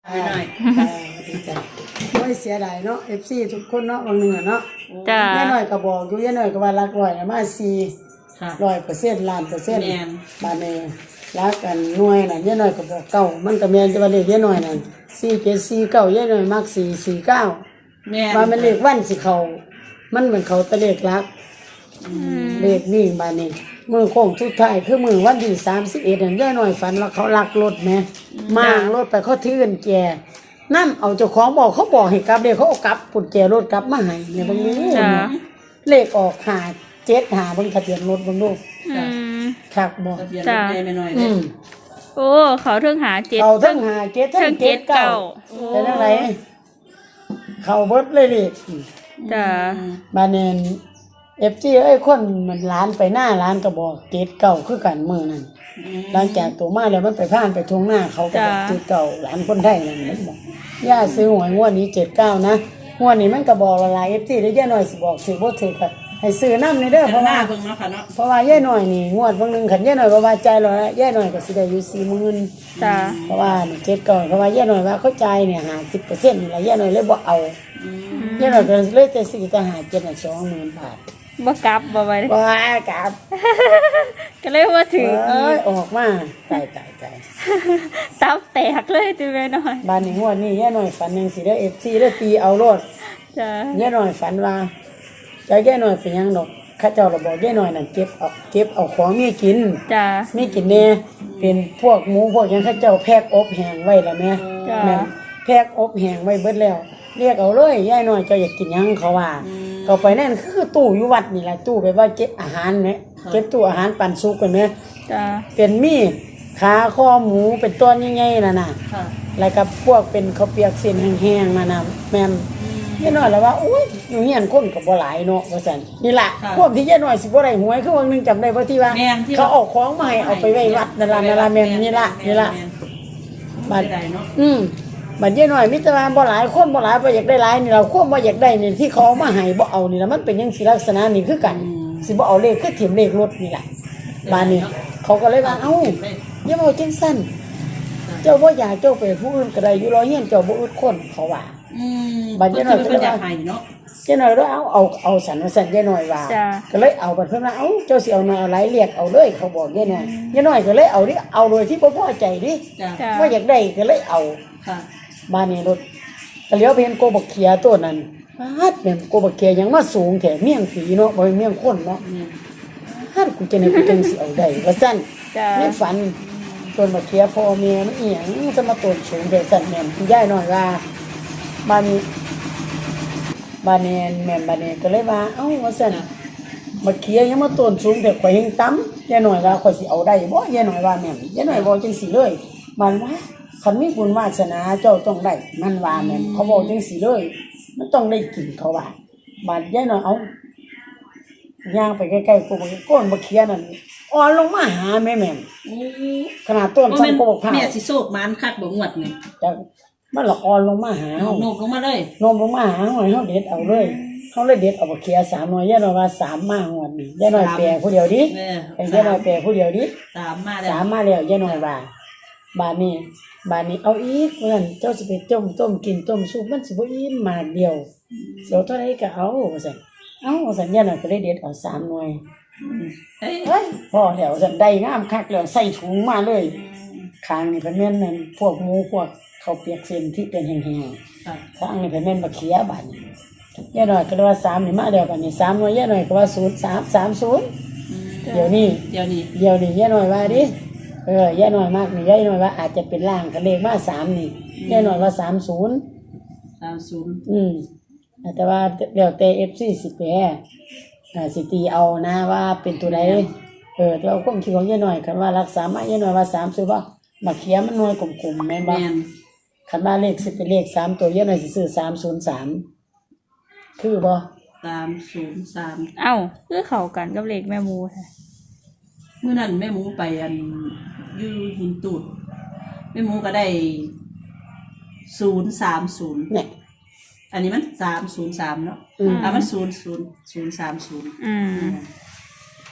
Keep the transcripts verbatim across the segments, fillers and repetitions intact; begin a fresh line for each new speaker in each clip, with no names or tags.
ไม่น้อย
ดีใจไม่เสียดายเนาะ เอฟ ซี ทุกคนเนาะบางเนื้อเนาะ
จ้า
แย่หน่อยก็บอกอยู่แย่หน่อยก็ว่ารักร้อยมาสี่ร้อยเปอร์เซ็นต์ล้านเปอร์เซ็นต์บาดนี้รักกันหน่วยน่ะแย่หน่อยก็บอกเก้ามันก็แม่นจะว่าเลขแย่หน่อยนั่นสี่เจ็ดสี่เก้าแย่หน่อยมักสี่สี่เก้าแม่นว่ามันเลขวันสิเขามันเหมือนเขาตะเลขรักเลขนี่บาดนี้มือโค้งสุดท้ายคือมือวันที่สามสิบเอ็ดนั่นแย่หน่อยฝันว่าเขาลักรถแม่มารถไปเขาถือกันแก่นั่นเอาเจ้าของบอกเขาบอกให้กลับเดี๋ยวเขาเอากลับกุญแจรถกลับมาให้เนี่ยบางนี้เลขออกหาเจ็ดหาบนทะเบียนรถบางลูกคักบอก
จ้าไม่น้อยเลย
โอ้เขาเทิงหาเจ็ด
เขาเทิงหาเจ็ดเทิงเจ็ดเก้าเป็นอะไรเขาเบิดเลยเลย
จ้า
บานเนนเอฟจีเอ้ยคนมันร้านไปหน้าร้านก็บอกเจ็ดเก้าคือกันมือนั่นหลังจากตัวมาแล้วมันไปผ่านไปทงหน้าเขาก็บอกเจ็ดเก้าหลานคนไทยนั่นมันบอกย่าซื้อหวยงวดนี้เจ็ดเก้านะงวดนี้มันก็บอกละลายเอฟซีได้ย่าหน่อยสิบอกสิบ่ถือก็ให้ซื้อน้ำในเด้อเพราะว่าเพราะว่าย่าหน่อยนี่งวดบางนึงขันย่าหน่อยบ่ว่าใจเราแล้วย่าหน่อยก็สิได้อยู่สี่หมื่น
จ้า
เพราะว่าเจ็ดเก้าเพราะว่าย่าหน่อยว่าเข้าใจเนี่ยหาสิบเปอร์เซ็นต์นี่แหละย่าหน่อยเลยบ่เอาย่าหน่อยก็เลยจะซื้อแต่หาเจ็ดสองหมื่นบาท
บ่กลับบ่ไป
บ่กลับ
ก็เลยว่าถือ
เอ้ยออกมาตายตายตาย
ตับแตกเลยติแม่น้อย
บ้านนี้งวดนี้ย่าหน่อยฝันจังสิได้ เอฟ ซี ได้ตีเอาโลด
จ้ะ
ย่าหน่อยฝันว่าจะย่าหน่อยเป็นหยังดอกข้าเจ้าเราบอกย่าหน่อยนั่นเก็บเอาเก็บเอาของมีกิน
จ้ะ
มีกินแน่เป็นพวกหมูพวกหยังข้าเจ้าแพ็คอบแห้งไว้แล้วแม่แม่แพ็คอบแห้งไว้เบิดแล้วเรียกเอาเลยย่าหน่อยเจ้าอยากกินหยังเขาว่าเขาไปนั่นคือตู้อยู่วัดนี่แหละตู้แบบว่าเก็บอาหารเนี่ยเก็บตู้อาหารปันสุกกันไหม
จ้า
เป็นมีดขาข้อหมูเป็นต้นใหญ่ๆน่ะน่ะแล้วก็พวกเป็นข้าวเปียกเส้นแห้งๆน่ะน่ะแม่นย่าน้อยแล้วว่าอุ้ยอยู่เฮียนคนก็บ่หลายเนาะว่าซั่นนี่ล่ะพวกที่ย่าน้อยสิบ่ได้หวยคือวันนึงจำได้บ่ที่ว่าเขาเอาของมาให้เอาไปไว้วัดนั่นล่ะนั่นล่ะแม่นนี่ล่ะนี่ล่ะบัดอืมบัดย่าน้อยมีแต่ว่าบ่หลายคนบ่หลายบ่อยากได้หลายนี่เราควบบ่อยากได้นี่ที่เขาเอามาให้บ่เอานี่ล่ะมันเป็นจังซี่ลักษณะนี่คือกันสิบ่เอาเลขคือถิ่มเลขรถนี่ล่ะบาดนี้เขาก็เลยว่าเอ้าอย่าเอาจังซั่นเจ้าบ่อยากเจ้าไปผู้อื่นก็ได้อยู่รอเฮียนเจ้าบ่อึดคนเขาว่า
อืมบัดย่าน้อยก็อยากให้เนาะ
ย่าน้อยแล้วเอาเอาเอาสันว่าซั่นย่าน้อยว่าก็เลยเอาบัดเพิ่นว่าเอ้าเจ้าสิเอาน้อยเอาหลายเรียกเอาเลยเขาบอกย่าน้อยย่าน้อยก็เลยเอาดิเอาโดยที่บ่พอใจดิบ่อยากได้ก็เลยเอา
ค่ะ
บ้านนี้รถก็เลี้ยวไปเห็นโกบักเขียตัวนั้นฮัดแม่นโกบักเขียยังมาสูงแท้เมี่ยงผีเนาะบ่เมี่ยงคนเนาะฮัดกูจะนี่กูจังสิเอาได้ว่าซั่นในฝันต้นบักเขียพ่อแม่มันอีหยังจะมาต้นสูงแท้ซั่นแม่นคุณยายน้อยว่าบ้านนี้บ้านนี้แม่นบ้านนี้ก็เลยว่าเอ้าว่าซั่นบักเขียยังมาต้นสูงแท้ข่อยเฮงต่ำยายน้อยว่าข่อยสิเอาได้บ่ยายน้อยว่าแม่นยายน้อยบ่จังสิเลยมันว่าคันมีบุญวาสนาเจ้าต้องได้มันว่าแม่นเขาบอกจังซี่เลยมันต้องได้กินเขาว่าบาดยายน้อยเอาย่างไปใกล้ๆกูบ่ก้นบ่เคียนั่นอ่อนลงมาหาแม่แม่นขนาดต้นซ้ำโกกผ้า
แม่สิโศกมันคักบ่งวดนี่
จังมันละอ่อนลงมาหาเฮา
โนบลงมาเลย
โนบลงมาหาหน่อยเฮาเด็ดเอาเลยเฮาเลยเด็ดเอาบ่เคียสามหน่อยยายน้อยว่าสามมางวดนี้ยายน้อยแปลผู้เดียวดิไอ้ยายน้อยแปลผู้เดียวดิ
สามมาแล้ว
สามมาแล้วยายน้อยว่าบาดนี้บาดนี้เอาอีกเพิ่นเจ้าสิไปต้มต้มกินต้มซุปมันสิบ่อิ่มมากเดียวเสียวเท่าใดก็เอาว่าซั่นเอ้าว่าซั่นยายน้อยก็เลยเด็ดเอาสามหน่วยเฮ้ยพอแล้วซั่นได้งามคักแล้วใส่ถุงมาเลยข้างนี่เพิ่นแม่นนั่นพวกหมูพวกข้าวเปียกเส้นที่เป็นแห้งๆข้างนี่เพิ่นแม่นบักเขียบาดนี้ยายน้อยก็เลยว่าสามนี่มาแล้วบัดนี้สามหน่วยยายน้อยก็ว่าศูนย์ สาม สาม ศูนย์เดี๋ยวนี้
เดี๋ยวนี้
เดี๋ยวนี้ยายน้อยว่าดิเออย่าน้อยมากนี่ย่าน้อยว่าอาจจะเป็นล่างกับเลขมาสามนี่ย่าน้อยว่าสามศูนย์
สามศูนย์
อืมแต่ว่าเดี๋ยวเตะเอฟซีสิแปรอ่าสิตีเอานะว่าเป็นตัวใดเออแต่เอาความคิดของย่าน้อยคันว่ารักษามาย่าน้อยว่าสามซื้อบ่มาเขียมันน้อยกลมๆแม่นบ่คันว่าเลขสิเป็นเลขสามตัวย่าน้อยสิซื้อสามศูนย์สามคือบ่
สามศูนย์สาม
เอ้าคือเข้ากันกับเลขแม่หมูแท้
มื้อนั้นแม่หมูไปอันอยู่หินตูดแม่หมูก็ได้ศูนย์สามศูนย์เนี่ยอันนี้มันสามศูนย์สามเนาะอ่ามันศูนย์ศูนย์ศูนย์สามศูนย์
อืม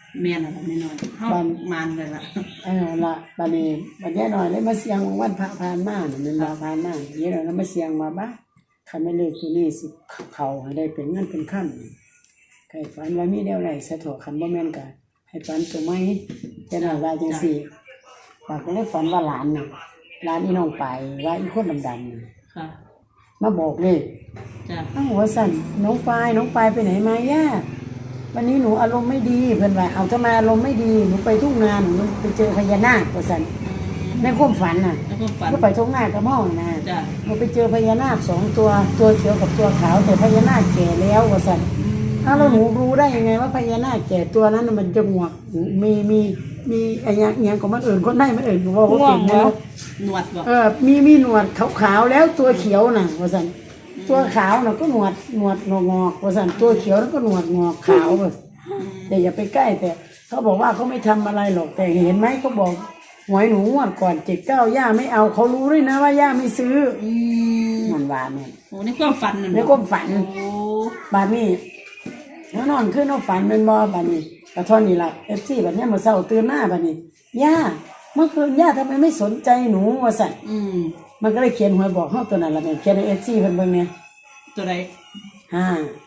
แม่นอะไรไม่น้อยเฮามันเลยล่ะ
เออละบัดนี้บัดนี้หน่อยเลยมาเสียงวันพระผ่านมาน่ะมันว่าผ่านมาเยอะแล้วมาเสียงมาบ้าคันไม่เลิกอยู่นี่สิเขาให้ได้เป็นเงินเป็นค่ำใครฝันว่ามีแนวไหนสะโถคันบ่แม่นก็ให้ฝันตัวไม้แต่น่ะว่าจังซี่ปากก็เลยฝันว่าหลานน่ะหลานอีน้องไปว่าอีคนดำๆน่ะ
ค่ะ
มาบอกเลย
จ้ะ
อ้าวหัวสั่นน้องปายน้องปายไปไหนมาย่าวันนี้หนูอารมณ์ไม่ดีเพื่อนว่าเอาทำไมอารมณ์ไม่ดีหนูไปทุ่งนาหนูไปเจอพญานาคว่าสั่นในความฝันน่ะ
แล้วก็ฝัน
ก็ไปทุ่งนากับม่องนะ
จ้ะ
หนูไปเจอพญานาคสองตัวตัวเขียวกับตัวขาวแต่พญานาคแก่แล้วว่าสั่นอ้าวแล้วหนูรู้ได้ยังไงว่าพญานาคแก่ตัวนั้นน่ะมันจะงวกมีมีมีอะไรอย่างเงี้ยของมันอื่นคนได้มันอื่นว่าว่าเป็นแล้ว
หนวดบ่
เออมีมีหนวดขาวๆแล้วตัวเขียวน่ะว่าสั่นตัวขาวน่ะก็หนวดหนวดงอกๆว่าสั่นตัวเขียวแล้วก็หนวดงอกขาวแบบแต่อย่าไปใกล้แต่เขาบอกว่าเขาไม่ทำอะไรหรอกแต่เห็นไหมเขาบอกหวยหนูงวดก่อนเจ็ดเก้าย่าไม่เอาเขารู้ด้วยนะว่าย่าไม่ซื้อ
อืม
มันว่าเนี่ย
โอ้ในความฝันนั่น
ในความฝัน
โอ้
บานนี้แล้วนอนขึ้นนอนฝันเป็นบ่บานนี้กระท่อนนี่แหละเอฟซีแบบนี้มาเศร้าตื่นหน้าบานนี้ย่าเมื่อคืนย่าทำไมไม่สนใจหนูว่าสั่น
อืม
มันก็เลยเขียนหวยบอกเขาตัวนั้นละเนี่ยเขียนในเอฟซีเพิ่นเบิ่งเนี่ย
ตัวใด
ห้า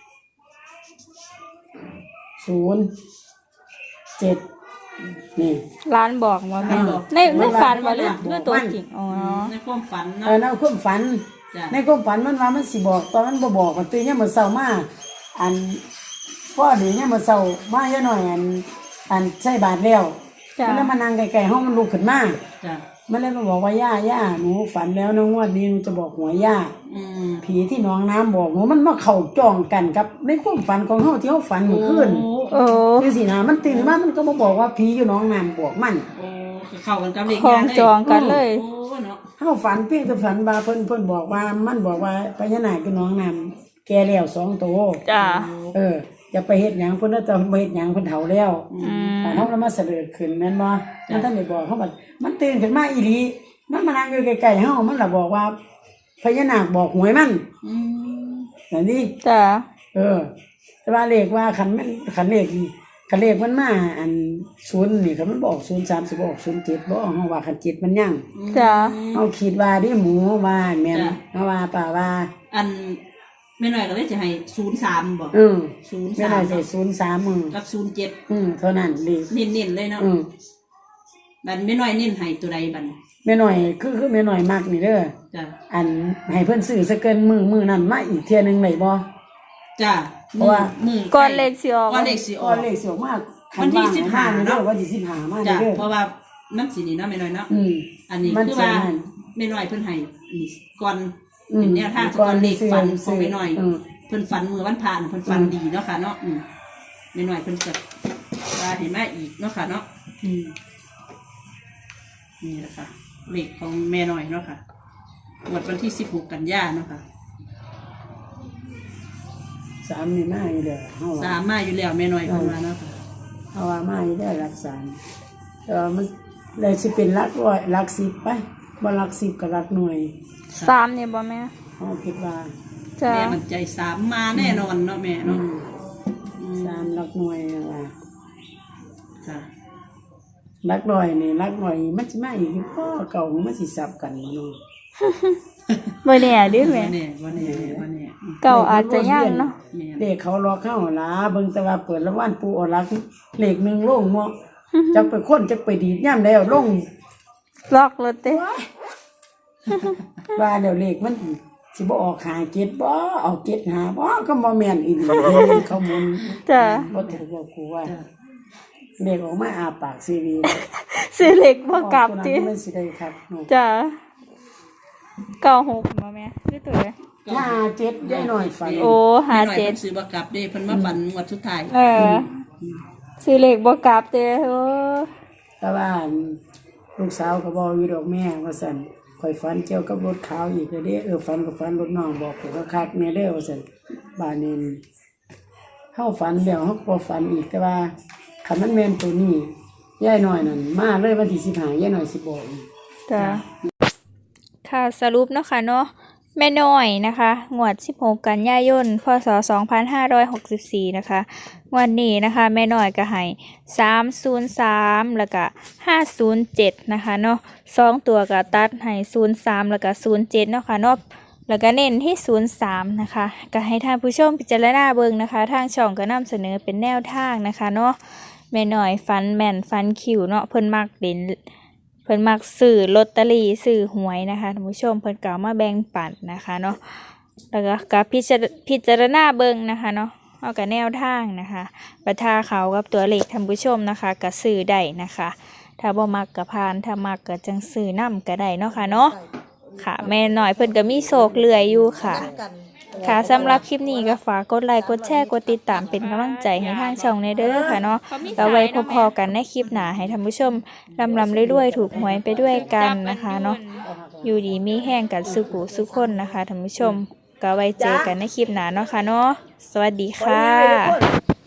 ศูนย์เจ็ดนี่
ร้านบอกว่าแม่
บอก
ในในฝันว่าเรื่อง
บอก
เรื่องตัวจริงอ๋อ
ในความฝัน
เอ
เนาะ
อในความฝัน
จ้ะ
ในความฝันมันว่ามันสิบอกตอนมันบ่บอกมันตื่นเนี่ยามมันเศร้ามาอันพ่อดีเนี่ยามมันเศร้ามาเยอะหน่อยอันอันใส่บาทแล้ว
จ้ะ
มันแล้วมานั่งไกลๆห้องมันลุกขึ้นมา
จ้ะ
มันเลยมาบอกว่าย่าย่าหนูฝันแล้วนะงวดนี้หนูจะบอกหัวย่า
อืม
ผีที่หน้องน้ำบอกหนูมันมาเข้าจ้องกันกับในความฝันของเฮาที่เฮาฝันเมื่อคืน
โอ้
คือสินะมันตื่นมามันก็มาบอกว่าผีอยู่หน้องน้ำบอกมัน
โอ้เข้ากันกับเด็ก
คล้องจองกันเลย
โอ้เนาะ
เฮาฝันเพียงแต่ฝันว่าเพิ่นเพิ่นบอกว่ามันบอกว่าพญานาคอยู่หน้องน้ำแก่แล้วสองตัว
จ้ะ
เอออย่าไปเฮ็ดหยังเพิ่นน่ะจะบ่เฮ็ดหยังเพิ่นเฒ่าแล้ว
อืม
แต่เฮาแล้วมาเสด็จขึ้นแม่นบ่มันท่านได้บอกเขาว่ามันตื่นขึ้นมาอีหลีมันมานั่งอยู่ใกล้ๆเฮามันล่ะบอกว่าพญานาคบอกหวยมัน
อืม
นั่นดิ
จ้ะ
เออ แต่ว่าเลขว่าคันมันคันเลขนี่คันเลขมันมาอันศูนย์นี่คันมันบอกศูนย์สามสิบอกศูนย์เจ็ดบ่เฮาว่าคันเจ็ดมันยัง
จ้ะ
เฮาคิดว่าดิหมูว่าแม่นเฮาว่าป่าว่า
อันแม่น้อยก็เลยจะให้ศูนย์สามบ่
เออ
ศูนย์
แม่
สา
น่
ม
อยใส่ศูนย์สามมือ
กับศูนย์เจ็ด
อืมเท่านั้นเลข
เน้นๆเลยเนาะ
อืม
บันแม่น้อยเน้นให้ตัวใดบัน
แม่น้อยคือคือแม่น้อยมากนี่เด้อ
จ้ะ
อันให้เพิ่นซื้อซะเกินมือมือนั้นมาอีกเที่ยหนึงได้บ่
จ้ะ
เพราะว่า
มือ
ก่อนเลขสิออก
ก้อนเลขสิอ
ก็
อก
เลขสิออกมา
วันที่สิบห้า
เนาะ
เนาะ
วันที่สิบห้ามา
จ้ะ
เด้อ
เพราะว่ามันสินี่เนาะแม่น้อยเนาะ
อืม
อันนี้
มัน
คือ
สิ
ว่า
นั่น
แม่น้อยเพิ่นให้นี่ก่อน
อืม
เป็นแนวทางก่อนเลขฝันของแม่น้อย
อืม
เพิ่นฝันมือวันผ่านเพิ่นฝัน
อืม
ดีเนาะค่ะเนาะอืมแม่น้อยเพิ่นจะว่าเห็นมาอีกเนาะค่ะเนาะอืมนี่แหละค่ะเลขของแม่น้อยเนาะค่ะงวดวันที่สิบหกกันยาเนาะค่ะ
สามนี่มาอยู่เด้อเฮา
สา
ว่าม
มาอยู่แล้วแม่น้อยเพิ่นว่าเนาะค่ะ
เฮาว่ามาอยู่ได้อหลักสามเออมันเลยสิเป็นหลักร้อยหลักสิบไปบ่หลักสิบก็หลักหน่วย
สามเนี่ยบ่แม่
เฮาคิดว่า
จ้ะ
แม่มันใจสามมาแน่นอนเนาะแม่
อื
เนาะ
ม
อืม
สามหลักหน่วยนั่นว่า
ค่ะ
หลักร้อยนี่หลักหน่วยมันสิมาอีกอยู่พอเก่ามันสิสับกันบ่เนาะ
บ่แน่ดิ
วั
แม่
นนี้วันนี้วันนี้
เก่าอาจจะยังเนาะ
แม่
เลขเขารอเข้าหลาเบิ่งแต่ว่าเปิดละวันปูเอาหลักเลขหนึงลงเนาะจักไปคนจักไปดีดย่ํแล้วลง
ล็อกรถเต้
ว่าเดี๋ยวเลขมันสิบ่ออกหาเจ็ดบ่เอาเจ็ดหาบ่ก็บ่แม่นอีหลีเขาหมุน
จ้ะ
บ่ถือว่ากูว่าเลขออกมาอาปากซีรี
ซื้อเหล็กบ่กลับ
ตัวนั้น
ติ
มันสิได้ครับเนาะ
จ้ะเก้าหกบ่แม่คือตัวใด
ห้าเจ็ดได้หน่อยฝัน
โอ้ห้า
แม่น้อย
เจ็ด
เพิ่นซื้อบ่กลับเด้เพิ่นมาฝันงวดสุดท้าย
เออซื้อเหล็กบ่กลับเต้โอ้
แต่ว่าลูกสาวก็บอกอยู่ดอกแม่ว่าซั่นข่อยฝันเกี่ยวกับรถขาวอีกเด้อเออฝันกับฝันรถน้องบอกผมก็คักแม่เด้อว่าซั่นบ้านนี้เฮาฝันแล้วเฮาก็บ่ฝันอีกแต่ว่าคันมันแม่นตัวนี้ยายน้อยนั่นมาเลยวันที่สิบห้ายายน้อยสิบอกอีก
จ้ะค่ะสรุปเนาะค่ะเนาะแม่น้อยนะคะงวดสิบหกกันยายนพศสองพันห้าร้อยหกสิบสี่นะคะวันนี้นะคะแม่น้อยก็ให้สามศูนย์สามแล้วก็ห้าศูนย์เจ็ดนะคะเนาะสองตัวก็ตัดให้ศูนย์สามแล้วก็ศูนย์เจ็ดเนาะค่ะเนาะแล้วก็เน้นที่ศูนย์สามนะคะก็ให้ท่านผู้ชมพิจารณาเบิ่งนะคะทางช่องก็นำเสนอเป็นแนวทางนะคะเนาะแม่น้อยฟันแม่นฟันคิวเนาะเพิ่นมักเล่นเพิ่นมักซื้อลอตเตอรี่ซื้อหวยนะคะท่านผู้ชมเพิ่นก็เอามาแบ่งปันนะคะเนาะแล้วก็กับพิจารพิจารณาเบิ่งนะคะเนาะเอากับแนวทางนะคะประทาเขากับตัวเลขท่านผู้ชมนะคะก็ซื้อได้นะคะถ้าบ่มักก็ผ่านถ้ามักก็จังซื้อนำก็ได้เนาะค่ะเนาะค่ะแม่น้อยเพิ่นก็มีโศกเลื่อยอยู่ค่ะค่ะสำหรับคลิปนี้ก็ฝากกดไลค์กดแชร์กดติดตามเป็นกำลังใจให้ทางช่องในเด้อค่ะเนาะก็ไว้พอๆกันในคลิปหน้าให้ท่านผู้ชมลำลำเรื่อยๆถูกหวยไปด้วยกันนะคะเนาะอยู่ดีมีแห้งกันสุขุสุขคนนะคะท่านผู้ชมก็ไว้เจอกันในคลิปหน้าเนาะค่ะเนาะสวัสดีค่ะ